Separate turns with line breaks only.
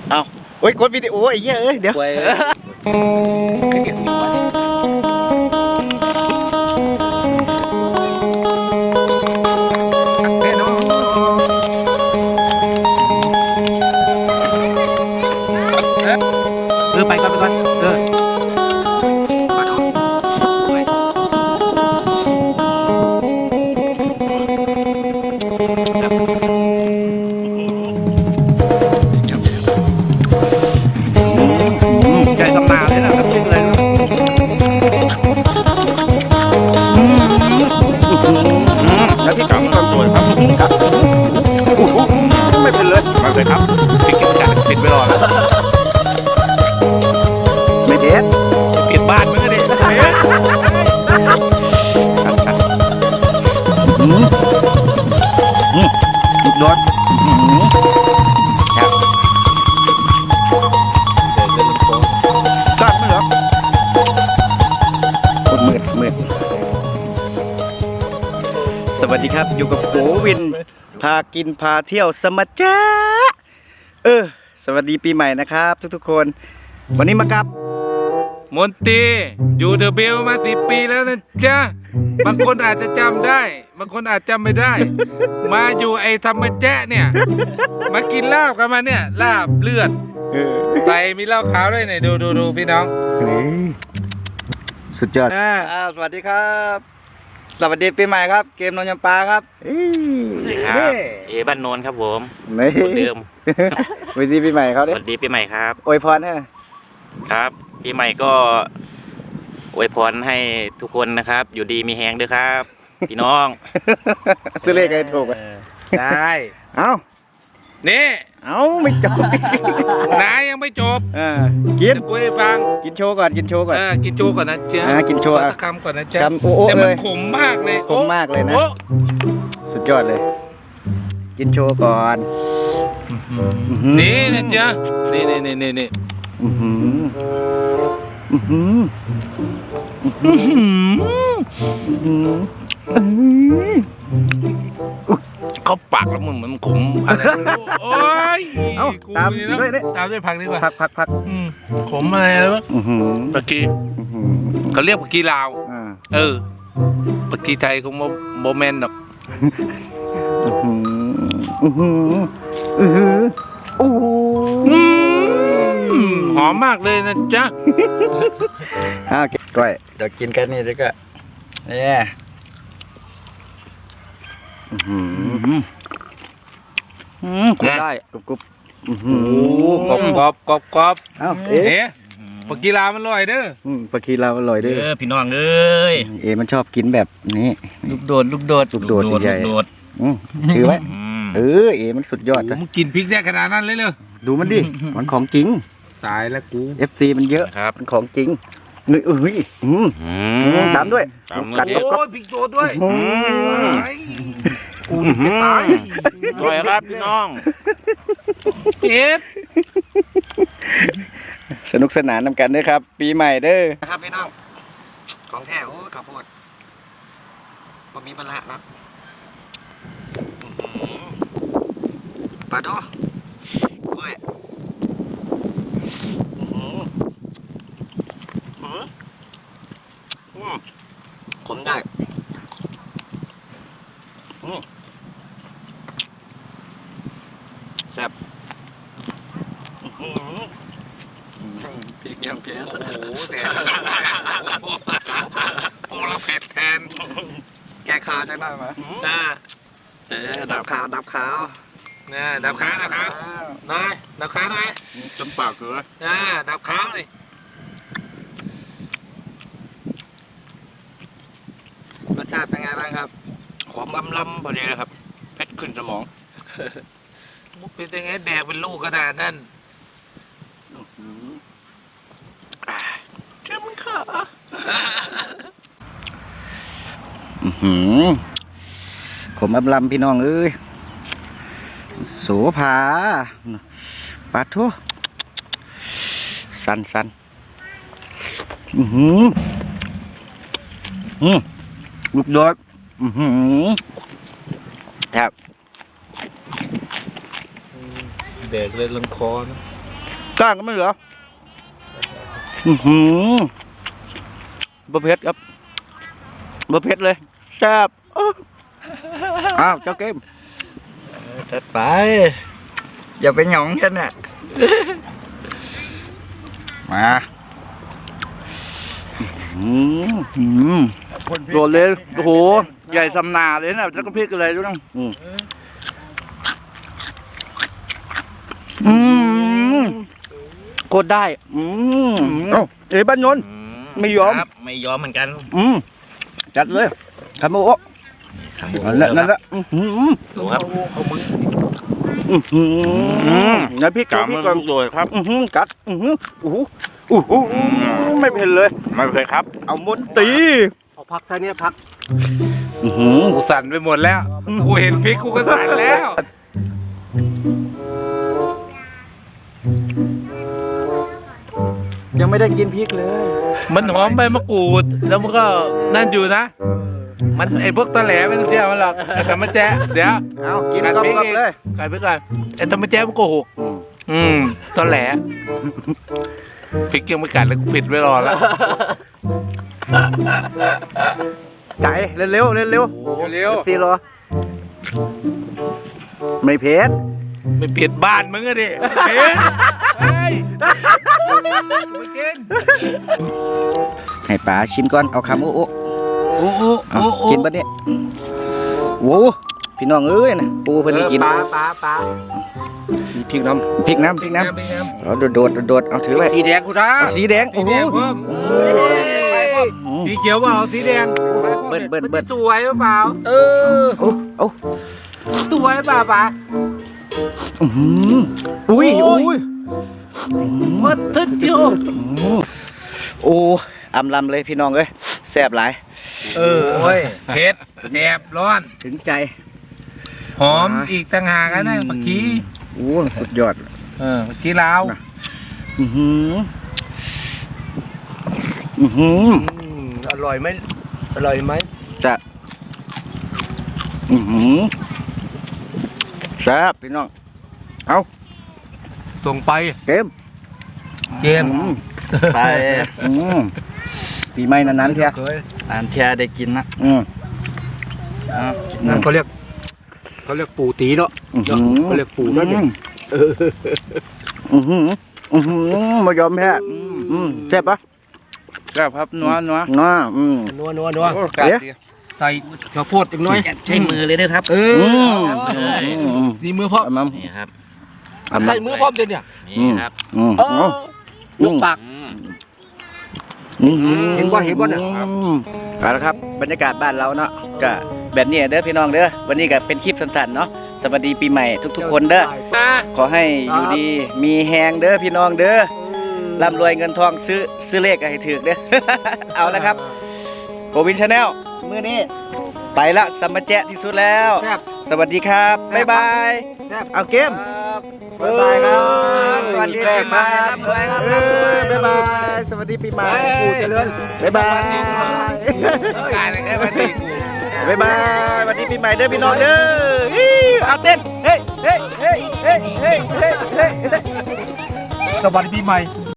เอาโอ้ยกดวิดีโอไอ้เหี้ยเอ้ยเดี๋ยวไปก่อนใจสำนาเลยนะครับจริงเลยแล้วพี่กังก็ตัวครับกังไม่เป็นเลยมาเลยครับปิดกิจการปิดไว้รอแล้วไม่เด็ดปิดบ้านมึงก็ดิโดนกัดไม่เหรอมืดสวัสดีครับอยู่กับโกวินพากินพาเที่ยวสมัจจ้าสวัสดีปีใหม่นะครับทุกๆคนวันนี้มากับ
มนตรีอยู่เดอะเบลมา10 ปีแล้วนะจ๊ะบางคนอาจจะจำได้บางคนอาจจำไม่ได้มาอยู่ไอ้ธรรมแจ๊ะเนี่ยมากินลาบกันมาเนี่ยลาบเลือดไปมีเหล้าขาวด้วยเนี่ยดูพี่น้อง
สุดยอดสวัสดีครับสวัสดีปีใหม่ครับเกมนนยำปลาครับ
ครับเอบ้านโนนครับผมคนเดิม
สวัสดีปีใหม่เขาดิ
สวัสดีปีใหม่ครับ
อวยพรให้
ครับปีใหม่ก็อวยพรให้ทุกคนนะครับอยู่ดีมีแฮงด้วยครับพี่น้อง
ซื้อเลขให้ถูก
ได้นี่
ไม่จบ
นายยังไม่จบ
กิน
กูให้ฟัง
กินโชว์ก่อนกินโชว์ก่อน
กินโชว์ก่อนนะจ๊ะ
กินโชว์
ตะคำก่อนนะจ๊ะ
แต่
มันขมมากเลย
นะสุดยอดเลยกินโชว์ก่อน
นี่นะจ๊ะนี่เขาปากแล้วมันขมอะไรโอ้ย
ตาม
ด้วยผักดีกว่า
ผัก
ขมอะไรวะปากกีเขาเรียกปากกีลาวปากกีไทยคงโมเมนต์หรอกหอมมากเลยนะจ๊ะ
ก้อยเดี๋ยวกินกันนี่ดีกว่าเนี่ยคุได้กรุบ
กรอบปากกีลามันอร่อยเด้อ
ปากกีลาอร่อยเด้อ
พี่น้องเอ้ย
มันชอบกินแบบนี้
ลูกโดด
ใหญ่ถือไว้มันสุดยอด
มึงกินพริกได้ขนาดนั้นเลยเลย
ดูมันดิมันของจริง
ตายแล้วกู
FC มันเยอะ
ครับ
มันของจริงตามด้วย
กัดโอ้ยพริกโดดด้วยกูจะตาย
อร่อยครับพี่น้อง
สนุกสนานนำกันด้วยครับปีใหม่เด้อครับพี่น้องของแท้โอ้ข้าวโพดบ่มีปลาครับปลาโตกล้วยขมได้แซ่บพริกยังเผ็ดโอ้โหแต่
โอ้เราเผ็ดแทน
แกคาใช่ไหมดับขาว
ดับขาหน่อยดับขาหน่อย
จนปากเลย
ดับขาเลย
รสชาติเป็นไงบ้างครับ
ความล้ำพอดีเลยครับเพชรขึ้นสมอง
เป็นยังไงแดกเป็นลูกขนาดนั้น
เจ้ามึงขาขมล้ำพี่น้องเอ้ยโสภาปลาทั่วสันลูกโดดครับ
เด็กเลยลังคอนะ
ก้างก็ไม่เหลืออือหือบะเพ็ดครับบะเพ็ดเลยแซ่บอ้าวเจ้าเกม
จัดไป อย่าไปหยองกันน่ะ
มาโดดเลยโอ้โหใหญ่สำนาเลยนะแล้วก็พริกอะไรด้วยนะโคตรได้เอ้าเอ้ยบ้านนนท์ ไม่ยอม
ครับไม่ยอมเหมือนกัน
จัดเลยคาโมโอะ
ครับ
นั่นแหละ
ดูครับ
งั้นพี่กัดพี่ก่อน
โดยครับ
กัดโอ้โหไม่เผ็ดเลย
ไม่เคยครับ
เอามนตี
เอาพักซะเนี่ยพัก
กูสั่นไปหมดแล้ว กูเห็นพริกกูก็สั่นแล้ว
ยังไม่ได้กินพริกเลย
มันหอมใบมะกรูด แล้วมันก็นั่นอยู่นะ มันไอ้พวกตะแหลไม่ต้องเชื่อมันหรอกไอ้ธรรมแจ๊ะเดี๋ยว
เอากิน
กัด
ก
พริก
ลับ
อีก
เลย
กัดพริกก่อนไอ้ธรรมแจ๊ะมันโกหกตะแหลพริกยังไม่กัดเลยกูปิดไว้รอแล้ว
ใจเร็วเร็วซีรอไม่เผ็ด
ไม่เปลี่ยนบ้านมึงอะดิเฮ้ยเฮ้ยไม่กิน
ให้ป๋าชิมก่อนเอาคำโอ้
โอ้โห
เอากินปะเนี่ยโอ้พี่น้องเอ้ยนะปูเพิ่นได้กิน
ปลา
พริกน้ำเอาโดดเอาถือไว้
สีแดงกูนะ
เอาสีแดง
สี
โอ้โห
แดงเพิ่มสีเขียวเปล่าสีแดง
เบิ้ล
สวยเปล่า
เออ
โอ้
สวยเปล่าป๋า
อุ้ย
มัดทึกเจียว
โอ้อำลำเลยพี่น้องเอ้ยแซ่บหลาย
โอ้ยเผ็ดแสบร้อน
ถึงใจ
หอมอีกต่างหากนะเมื่อกี้
โอ้สุดยอด
เมื่อกี้ลาว
อร่อยไหมอร่อยไหม
จะแซ่บพี่น้องเอา
ส่งไป
เกม
ไป
ปีใหม่นั้นๆเทีย
อ่านเทียได้กินนะ
นั่นเขาเรียกปู่ตีเนาะเขาเรียกปู่นั่นเอง
มายอมแพ้แซ่บปะ
แซ่บครับนัว
นัว
เอ๊ะ
ใส่ข้าวโพดอีกน้อย
ใช้มือเลยนะครับ
สีมือพร้อม
นี่ครับ
ใส่มือพร้อมเด็ดเนี่ย
นี่ครับ
ยกปาก เห็นบ่เนี่ย
เอาละครับบรรยากาศบ้านเราเนาะก็แบบนี้เด้อพี่น้องเด้อวันนี้ก็เป็นคลิปสั้นๆเนาะสวัสดีปีใหม่ทุกๆคนเด้อขอให้อยู่ดีมีแฮงเด้อพี่น้องเด้อร่ำรวยเงินทองซื้อเลขให้ถือเด้อ เอาละครับโกวินชาแนลมื้อนี้ไปละสมมาแจะที่สุดแล้ว
แซ่บ
สวัสดีครับบ๊ายบาย
แซ่บ
เอาเกม
บ๊ายบายครับ
สวัสดีปีใหม่ บ๊ายบายสวัสดีปีใหม่
ปู่เจริญ
บ๊ายบาย
การอะไรกันดีกู
บ๊ายบายสวัสดีปีใหม่เด้อพี่น้องเด้อฮิ้วเอาเต้นเฮ้ย
สวัสดีปีใหม่